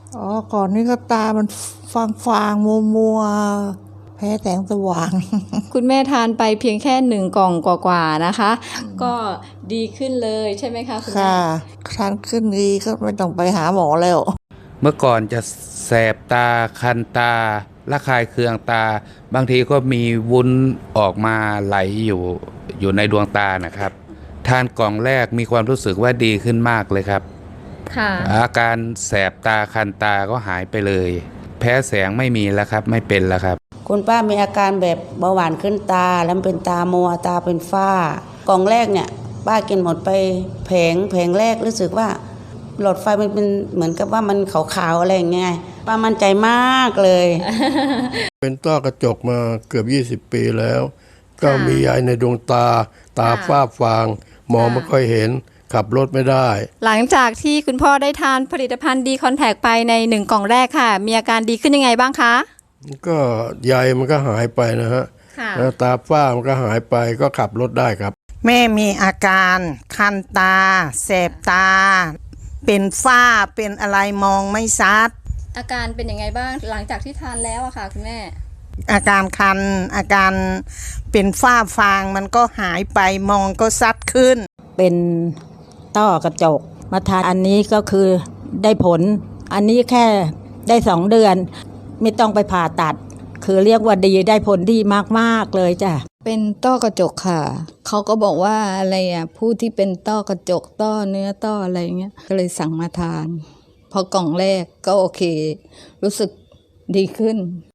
อ๋อก่อนนี้ก็ตามันฟางมัวมัวๆแพ้แสงสว่างคุณแม่ทานไปเพียงแค่1 กล่องกว่าๆนะคะ ก็ดีขึ้นเลยใช่ไหมคะคุณแม่ค่ะครั้นขึ้นดีก็ไม่ต้องไปหาหมอแล้วเมื่อก่อนจะแสบตาคันตาระคายเคืองตา บางทีก็มีวุ้นออกมาไหลอยู่ในดวงตานะครับ ทานกล่องแรกมีความรู้สึกว่าดีขึ้นมากเลยครับค่ะอาการแสบตาคันตาก็หายไปเลย แพ้แสงไม่มีแล้วครับไม่เป็นแล้วครับคุณป้ามีอาการแบบเบาหวานขึ้นตาแล้วเป็นตามัวตาเป็นฝ้ากล่องแรกเนี่ยป้ากินหมดไปแผงแรกรู้สึกว่าหลอดไฟมันเป็นเหมือนกับว่ามันขาวๆอะไรอย่างเงี้ยป้ามั่นใจมากเลยเป็นต้อกระจกมาเกือบ20 ปีแล้ว ก็มียายในดวงตาฝ้าฟางมองไม่ค่อยเห็นขับรถไม่ได้หลังจากที่คุณพ่อได้ทานผลิตภัณฑ์ดีคอนแทคไปใน1 กล่องแรกค่ะ มีอาการดีขึ้นยังไงบ้างคะก็ใยมันก็หายไปนะฮะค่ะแล้วตาฝ้ามันก็หายไปก็ขับรถได้ครับแม่มีอาการคันตาแสบตา เป็นฝ้าเป็นอะไรมองไม่ชัดอาการเป็นยังไงบ้างหลังจากที่ทานแล้วอะค่ะคุณแม่อาการคันอาการเป็นฝ้าฟางมันก็หายไปมองก็ชัดขึ้นเป็นต้อกระจกมาทานอันนี้ก็คือได้ผล อันนี้แค่ได้2 เดือน ไม่ต้องไปผ่าตัด คือเรียกว่าดีได้ผลดีมากๆเลยจ้ะเป็นต้อกระจกค่ะ เขาก็บอกว่าอะไรผู้ที่เป็นต้อกระจกต้อเนื้อต้ออะไรเงี้ย ก็เลยสั่งมาทาน พอกล่องแรกก็โอเค รู้สึกดีขึ้น